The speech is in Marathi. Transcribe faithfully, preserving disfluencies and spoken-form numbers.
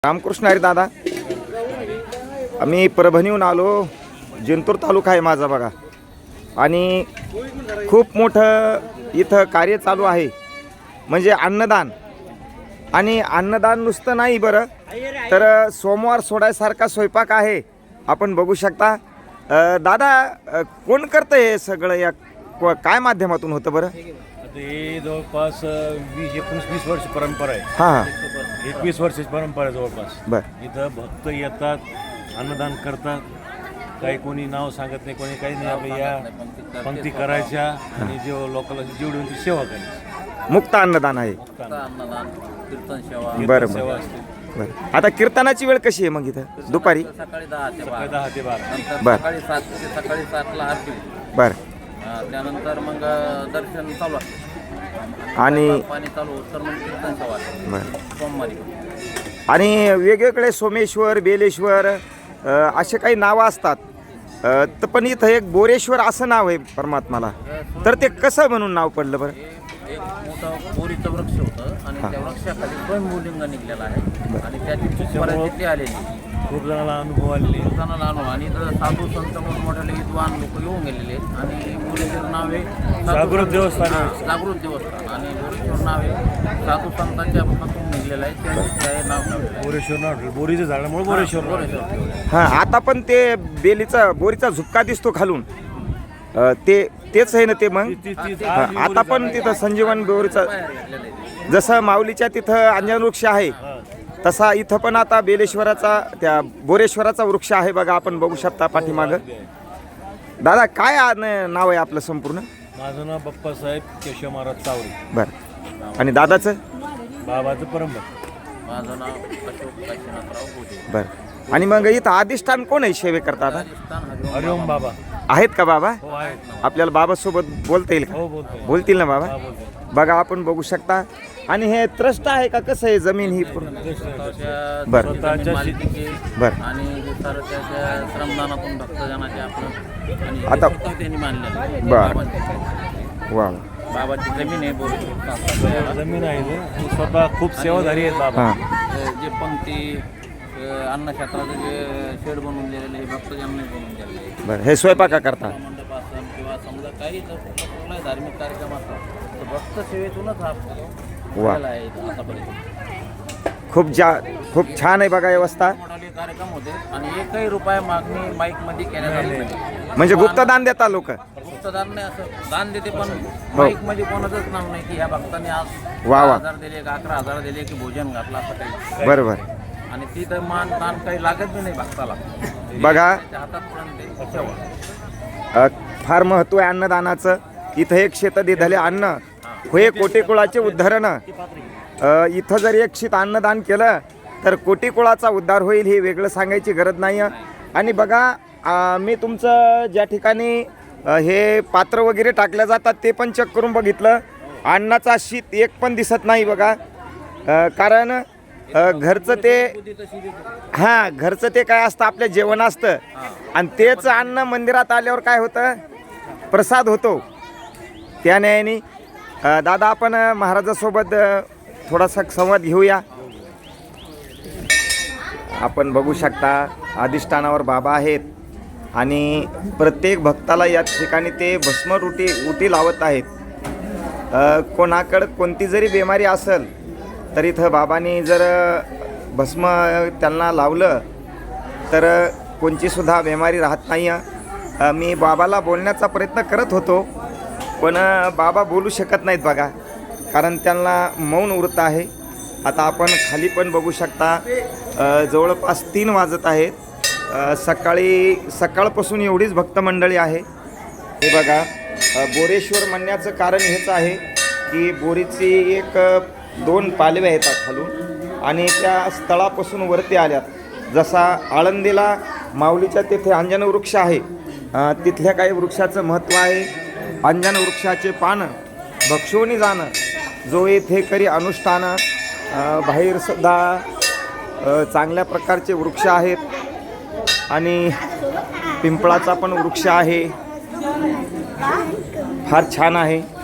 रामकृष्ण हरी दादा. आम्ही परभणीहून आलो. जिंतूर तालुका आहे माझा बघा. आणि खूप मोठं इथं कार्य चालू आहे म्हणजे अन्नदान. आणि अन्नदान नुसतं नाही बरं तर सोमवार सोडायसारखा स्वयंपाक आहे. आपण बघू शकता. दादा कोण करतं हे सगळं, या काय माध्यमातून होतं बरं? हे जवळपास वीस एकोणीस वीस वर्ष परंपरा आहे. हां हां एकवीस वर्षाची परंपरा आहे जवळपास. बरं. इथं भक्त येतात, अन्नदान करतात. काही कोणी नाव सांगत नाही, कोणी काही नाही. आपल्या या पंक्ती करायच्या आणि जे लोकांना जेवढी होती सेवा करायची. मुक्त अन्नदान आहे. अन्नदान, कीर्तन सेवा. बरं सेवा बरं असते. बरं. आता कीर्तनाची वेळ कशी आहे मग इथं? दुपारी सकाळी दहा ते सकाळी बारा. दहा ते बारा. नंतर बरं. सकाळी सात ते सकाळी सातला आरती. बरं. अं, त्यानंतर मग दर्शन चालू असतं आणि पाणी चालू होतं तर मग कीर्तन सेवा असते. बरं. सोमवारी आणि वेगवेगळे सोमेश्वर, बेलेश्वर अ, असे काही नावं असतात. अ, तर पण इथं एक बोरेश्वर असं नाव आहे परमात्माला. तर ते कसं म्हणून नाव पडलं बरं? एक मोठं बोरीचं वृक्ष होतं आणि त्या वृक्षाखाली स्वयंभूलिंग निघलेला आहे आणि त्याची तिथे आलेली खूप जणांना अनुभव आलेले. लोकांना आणून आणि इथं साधू संत मोठमोठे विद्वान लोक येऊन गेलेले आहेत. आणि बोरीचं नाव आहे जागृत देवस्थान आहे. हां, जागृत देवस्थान. आणि बोरीचं नाव आहे साधू संतांच्या पासून निघलेलं आहे. त्यांचं नाव बोरेश्वर नाव, बोरीचं झाडामुळे बोरेश्वर नाव. बोरेश्वर. हां. आता पण ते बेलीचा बोरीचा झुपका दिसतो खालून. अ, ते तेच आहे ना ते मग? ती- ती- ती- हां. आता पण तिथं संजीवन बोरीचा जसं माऊलीच्या तिथं अंजन वृक्ष आहे तसा इथं पण आता बेलेश्वराचा त्या बोरेश्वराचा वृक्ष आहे बघा. आपण बघू शकता पाठीमागं. दादा काय आ- न- नाव आहे आपलं संपूर्ण? माझं नाव बाप्पासाहेब केशव महाराज चावरी. बरं. आणि दादाचं? बाबाचं परंपरा. माझं नाव अशोक काशीनाथराव बोधे. बरं. आणि मग इथं अधिष्ठान कोण आहे सेवे करता आता? राजस्थान हरिओम हरिओम बाबा. आहेत का बाबा? हो आहेत. आपल्याला बाबासोबत बोलता येईल का? हो बोलतोय. बोलतील ना बाबा? हा बोलतोय. बघा आपण बघू शकता. आणि हे ट्रस्ट आहे का कसं आहे जमीन ही पूर्ण? स्वतःच्या बरं. जमीन मालकीचे बरं. आणि हे सारं त्याच्या श्रमदानातून भक्तजनाचे आपलं आणि हे आता- स्वतः त्यांनी मानलेलं आहे. बरं. बाबांची- वा. बाबाची जमीन आहे बोरीश्वर. जमीन आहे ते. आणि स्वतः खूप सेवाधारी आहेत बाबा. हां. जे पंक्ती अन्नक्षेत्राचं जे शेड बनवून दिलेले हे भक्तजनांनी बनवून दिलेले आहे. बरं. हे स्वयंपाका करता? मंडप असेल किंवा समजा काही जर कुठलाही धार्मिक कार्यक्रम असला तर भक्त सेवेतूनच हा वा. झालेला आहे इथं आतापर्यंत. खूप जा खूप छान आहे बघा व्यवस्था. मोठाले कार्यक्रम होते आणि एकही रुपया मागणी माईक मध्ये केल्या जात नाही. म्हणजे गुप्तदान देता लोक? गुप्तदान नाही, असं दान देते पण माईक मध्ये कोणाचंच नाव नाही की ह्या भक्ताने आज वा वा. हजार दिले की अकरा हजार दिले की भोजन घातलं असं काही. बरोबर. आणि ती तर मान दान काही लागत बी नाही भक्ताला. बघा. त्याच्या हातात पर्यंत ते सेवा. अ, फार महत्त्व आहे अन्नदानाचं. इथं एक शेत दिधले अन्न होय कोटी कुळाचे उद्धारण. अ, इथं जर एक शीत अन्नदान केलं तर कोटी कुळाचा उद्धार होईल हे वेगळं सांगायची गरज नाही. आणि बघा अ, मी तुमचं ज्या ठिकाणी अ, हे पात्र वगैरे टाकल्या जातात ते पण चेक करून बघितलं. अन्नाचा शीत एक पण दिसत नाही बघा. अ, कारण अ, घरचं ते हां घरचं ते काय असतं आपलं जेवण असतं आणि तेच अन्न मंदिरात आल्यावर काय होतं प्रसाद होतो. त्या न्यायाने अ, दादा आपण अ, महाराजासोबत अ, थोडासा संवाद घेऊया. आपण बघू शकता अधिष्ठानावर बाबा आहेत आणि प्रत्येक भक्ताला या ठिकाणी ते भस्म रुटी उटी लावत आहेत. अ, कोणाकडं कोणती जरी बिमारी असेल तर इथं बाबांनी जर भस्म त्यांना लावलं तर कोणचीसुद्धा बिमारी राहत नाही. अ, मी बाबाला बोलण्याचा प्रयत्न करत होतो पण बाबा बोलू शकत नाहीत बघा कारण त्यांना मौन व्रत आहे. आता आपण खाली पण बघू शकता. अ, जवळपास तीन वाजत आहेत. अ, सकाळी सकाळपासून एवढीच भक्त मंडळी आहे. हे बघा. अ, बोरेश्वर म्हणण्याचं कारण हेच आहे की बोरीची एक दोन पालव्या येतात खालून आणि त्या स्थळापासून वरती आल्यात. जसा आळंदीला माऊलीच्या तिथे अंजन वृक्ष आहे अ, तिथल्या काही वृक्षाचं महत्त्व आहे. अंजन वृक्षाचे पान भक्षोनी जाणं जो येथे करी अनुष्ठान. बाहेरसुद्धा अ, चांगल्या प्रकारचे वृक्ष आहेत आणि पिंपळाचा पण वृक्ष आहे. फार छान आहे.